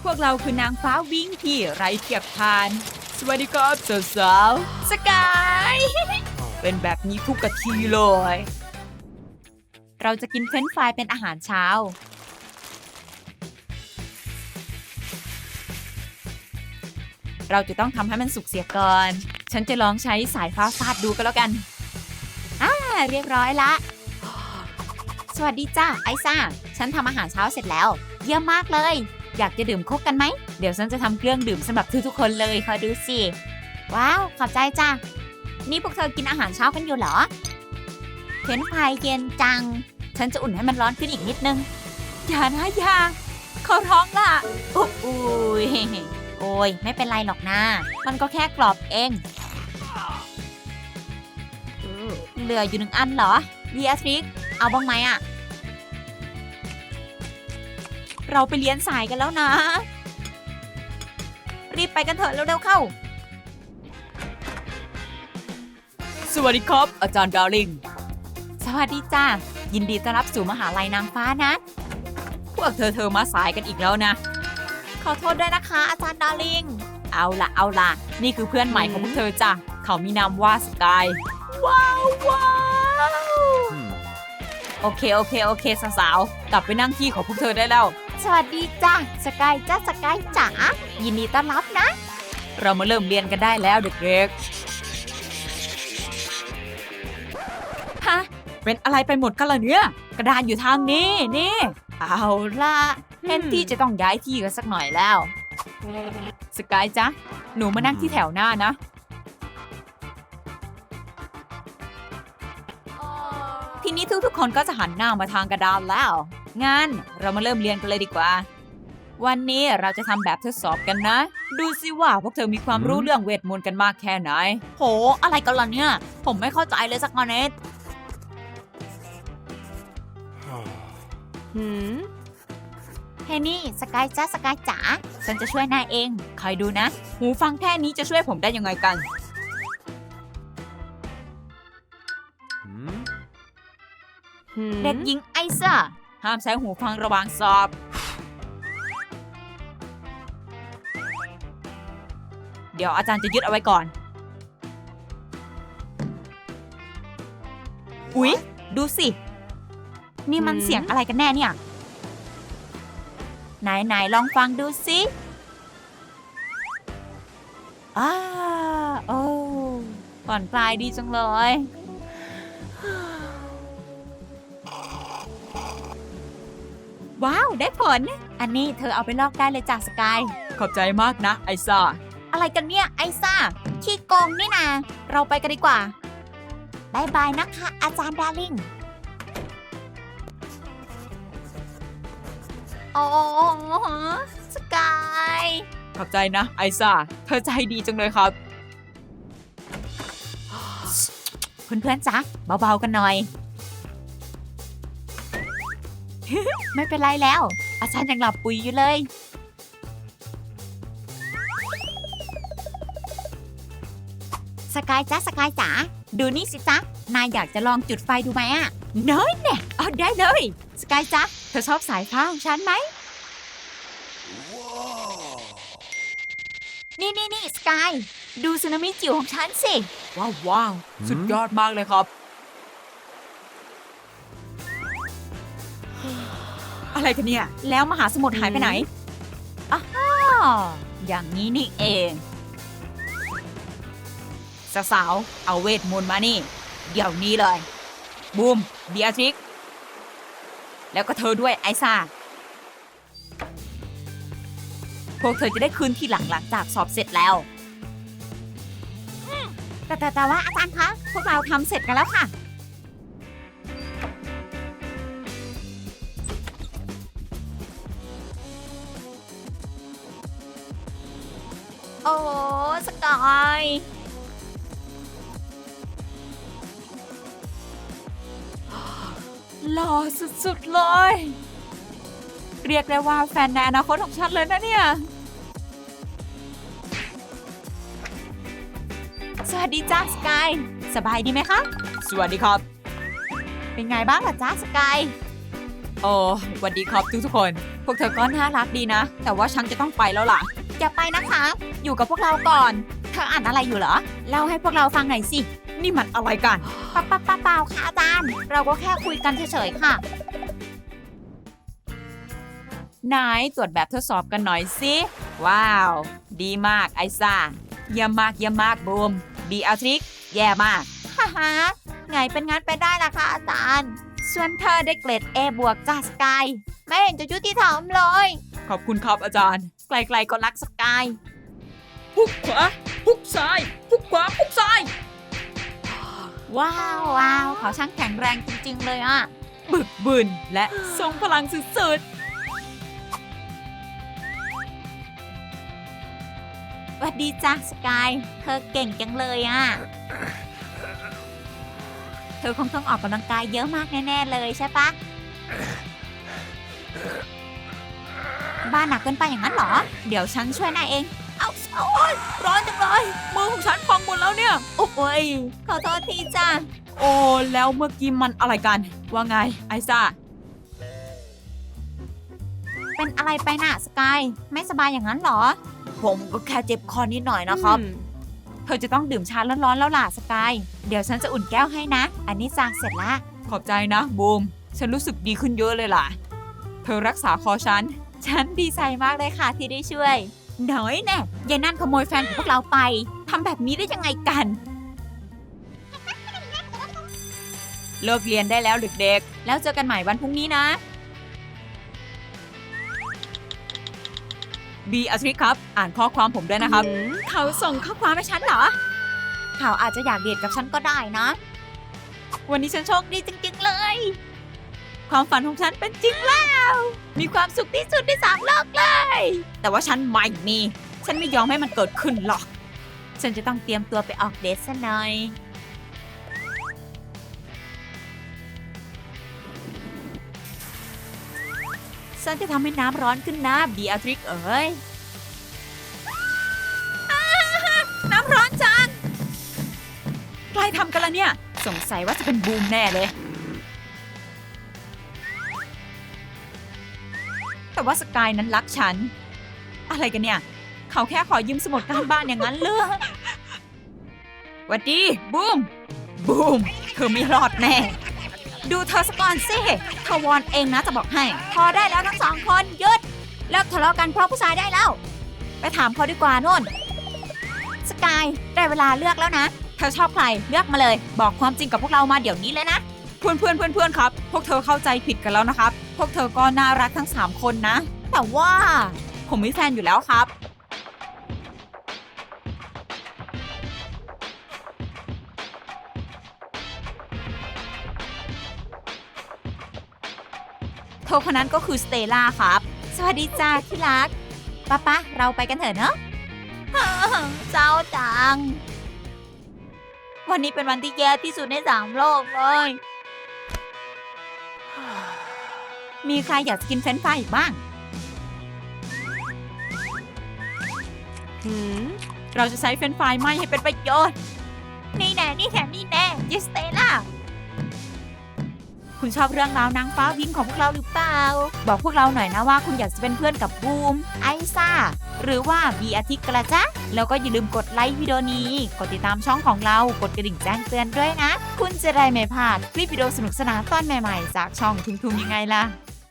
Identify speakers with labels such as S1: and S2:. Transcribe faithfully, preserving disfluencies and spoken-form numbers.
S1: วกเราคือนางฟ้าวิ่งที่ไร้เทียบทาน สวัสดีครับสาวๆสกาย เป็นแบบนี้ทุกกะทีเลย เราจะกินเฟรนช์ฟรายเป็นอาหารเช้า เราจะต้องทำให้มันสุกเสียก่อน ฉันจะลองใช้สายฟ้าฟาดดูก็แล้วกันอ่าเรียบร้อยละ สวัสดีจ้าไอซ่า ฉันทำอาหารเช้าเสร็จแล้ว เยี่ยมมากเลย อยากจะดื่มโค้กกันไหม เดี๋ยวฉันจะทำเครื่องดื่มสำหรับทุกๆคนเลยคอยดูสิ ว้าว ขอบใจจ้านี่พวกเธอกินอาหารเช้ากันอยู่เหรอเฟรนช์ฟรายเย็นจัง ฉันจะอุ่นให้มันร้อนขึ้นอีกนิดนึง อย่านะอย่าเขาท้องล่ะโอ้ยโอ้ยไม่เป็นไรหรอกนะ มันก็แค่กรอบเองเหลืออยู่หนึ่งอันเหรอเบียสริกเอาบ้างไหมอะเราไปเรียนสายกันแล้วนะ รีบไปกันเถอะเร็วๆเข้า สวัสดีครับอาจารย์ดาริงสวัสดีจ้ายินดีต้อนรับสู่มหาลัยนางฟ้านะพวกเธอเธอมาสายกันอีกแล้วนะขอโทษด้วยนะคะอาจารย์ดาริงเอาละเอาละนี่คือเพื่อนใหม่ของพวกเธอจ้ะเขามีนามว่าสกายว้าวว้าวโอเคโอเคโอเคสาวๆกลับไปนั่งที่ของพวกเธอได้แล้วสวัสดีจ้าสกายจ้าสกายจ๋ายินดีต้อนรับนะเรามาเริ่มเรียนกันได้แล้วเด็กๆฮะเป็นอะไรไปหมดกันล่ะเนี่ยกระดานอยู่ทางนี้นี่เอาล่ะแทนที่จะต้องย้ายที่กันสักหน่อยแล้วสกายจ๊ะหนูมานั่งที่แถวหน้านะทีนี้ทุกๆคนก็จะหันหน้ามาทางกระดานแล้วงั้นเรามาเริ่มเรียนกันเลยดีกว่าวันนี้เราจะทำแบบทดสอบกันนะดูสิว่าพวกเธอมีความรู้เรื่องเวทมนต์กันมากแค่ไหนโหอะไรกันล่ะเนี่ยผมไม่เข้าใจเลยสักนิดหืมเฮนี่สกายจ้าสกายจ๋าฉันจะช่วยนายเองคอยดูนะหูฟังแค่นี้จะช่วยผมได้ยังไงกันเด็กหญิงไอซ่าห้ามใช้หูฟังระหว่างสอบเดี๋ยวอาจารย์จะยึดเอาไว้ก่อนอุ๊ยดูสินี่มันเสียงอะไรกันแน่เนี่ยไหนไหนลองฟังดูสิอ้าโอ้ผ่อนคลายดีจังเลยว้าวได้ผลอันนี้เธอเอาไปลอกได้เลยจากสกายขอบใจมากนะไอซ่าอะไรกันเนี่ยไอซ่าขี้โกงนี่นาเราไปกันดีกว่าบายบายนะคะอาจารย์ดาริงโอ้สกายขอบใจนะไอซ่าเธอใจดีจังเลยครับเพื่อนๆจ๊ะเบาๆกันหน่อย ไม่เป็นไรแล้วอาจารย์ยังหลับปุ๋ยอยู่เลยสกายจ๊ะสกายจ๋าดูนี่สิจ๊ะนายอยากจะลองจุดไฟดูไหมอ่ะน้อยเนี่ยเอาได้เลยสกายจ๊ะเธอชอบสายฟ้าของฉันไหม wow. นี่นี่นี่สกายดูสึนามิจิ๋วของฉันสิว้าวว้าวสุดยอดมากเลยครับอะไรกันเนี่ยแล้วมหาสมุทรหายไปไหนอ้าวอย่างนี้นี่เองสาวๆเอาเวทมนต์มานี่เดี๋ยวนี้เลยบูมเบียทริกแล้วก็เธอด้วยไอซ่าพวกเธอจะได้คืนที่หลังหลังจากสอบเสร็จแล้วแต่แต่แต่ว่าอาจารย์คะพวกเราทำเสร็จกันแล้วค่ะโอ้สกายหล่อสุดๆเลยเรียกได้ว่าแฟนในอนาคตของฉันเลยนะเนี่ยสวัสดีจ้าสกายสบายดีไหมคะสวัสดีครับเป็นไงบ้างล่ะจ้าสกายโอ้สวัสดีครับทุกทุกคน พวกเธอก็น่ารักดีนะ แต่ว่าฉันจะต้องไปแล้วล่ะ อย่าไปนะคะ อยู่กับพวกเราก่อน เธออ่านอะไรอยู่เหรอ เล่าให้พวกเราฟังหน่อยสิ นี่มันอะไรกันปะปะปะเปล่าค่ะอาจารย์ เราก็แค่คุยกันเฉยๆค่ะนายตรวจแบบทดสอบกันหน่อยสิ ว้าว ดีมากไอซ่าเยี่ยมมากเยี่ยมมากบูมบีอาทริกแย่มากฮ่าฮ่าไงเป็นงั้นไปได้ล่ะค่ะอาจารย์ส่วนเธอได้เกรด A บวกจากสกายไม่เห็นจะยุติธรรมเลย ขอบคุณครับอาจารย์ ไกลๆก็รักสกายพุกขวาพุกซ้ายพุกขวาพุกซ้าย ว้าวว้าวเขาช่างแข็งแรงจริงๆเลยอ่ะ บึกบึนและทรงพลังสุดๆสวัสดีจ้ะสกายเธอเก่งจังเลยอ่ะ เธอคงต้องออกกำลังกายเยอะมากแน่ๆเลยใช่ปะ บ้านหนักเกินไปอย่างนั้นเหรอ เดี๋ยวฉันช่วยนายเอง เอาโอ้ยร้อนจังเลย มือของฉันพองหมดแล้วเนี่ย โอ้ยขอโทษทีจ้ะ โอ้แล้วเมื่อกี้มันอะไรกัน ว่าไงไอซ่า เป็นอะไรไปน่ะสกายไม่สบายอย่างนั้นเหรอ ผมก็แค่เจ็บคอนิดหน่อยนะครับ เธอจะต้องดื่มชาร้อนๆแล้วล่ะสกาย เดี๋ยวฉันจะอุ่นแก้วให้นะ อันนี้จ้าเสร็จละ ขอบใจนะบูม ฉันรู้สึกดีขึ้นเยอะเลยล่ะ เธอรักษาคอฉัน ฉันดีใจมากเลยค่ะที่ได้ช่วยน้อยแน่ยายนั่นขโมยแฟนของพวกเราไปทำแบบนี้ได้ยังไงกัน เลิกเรียนได้แล้วเด็กๆ แล้วเจอกันใหม่วันพรุ่งนี้นะบีอาทริกครับ อ่านข้อความผมด้วยนะครับ เขาส่งข้อความให้ฉันเหรอ เขาอาจจะอยากเดทกับฉันก็ได้นะ วันนี้ฉันโชคดีจริงๆเลย ความฝันของฉันเป็นจริงแล้ว มีความสุขที่สุดในสามโลกเลย แต่ว่าฉันไม่มี ฉันไม่ยอมให้มันเกิดขึ้นหรอก ฉันจะต้องเตรียมตัวไปออกเดทซะหน่อย ฉันจะทำให้น้ำร้อนขึ้นนะบีอาทริกเอ๋ยอ้าน้ำร้อนจังใครทำกันละเนี่ย สงสัยว่าจะเป็นบูมแน่เลย แต่ว่าสกายนั้นรักฉัน อะไรกันเนี่ย เขาแค่ขอยืมสมุดการบ้านอย่างนั้นเลยหวัดดีบูม บูม เธอไม่รอดแน่ ดูเธอสก่อนสิเธอวอนเองนะจะบอกให้ พอได้แล้วทั้งสองคนหยุดเลิกทะเลาะกันเพราะผู้ชายได้แล้ว ไปถามเขาดีกว่านู่นสกายได้เวลาเลือกแล้วนะ เธอชอบใครเลือกมาเลย บอกความจริงกับพวกเรามาเดี๋ยวนี้เลยนะ เพื่อนเพื่อนเพื่อนเพื่อนครับ พวกเธอเข้าใจผิดกันแล้วนะครับ พวกเธอก็น่ารักทั้งสามคนนะ แต่ว่าผมมีแฟนอยู่แล้วครับ เธอคนนั้นก็คือสเตล่าครับ สวัสดีจ้าที่รักป้าป้าเราไปกันเถอะเนอะ เศร้าจัง วันนี้เป็นวันที่แย่ที่สุดในสามโลกเลย มีใครอยากกินเฟรนช์ฟรายอีกบ้าง เราจะใช้เฟรนช์ฟรายไหม้ให้เป็นประโยชน์ นี่แน่ นี่แน่ นี่แน่ยิสเตล่า คุณชอบเรื่องราวนางฟ้าวินของพวกเราหรือเปล่า บอกพวกเราหน่อยนะว่าคุณอยากจะเป็นเพื่อนกับบูม ไอซ่า หรือว่าบีอาทิตย์กระจ๊ะ แล้วก็อย่าลืมกดไลค์วิดีโอนี้ กดติดตามช่องของเรา กดกระดิ่งแจ้งเตือนด้วยนะ คุณจะได้ไม่พลาดคลิปวิดีโอสนุกสนานตอนใหม่ๆจากช่องทุ่มๆยังไงล่ะ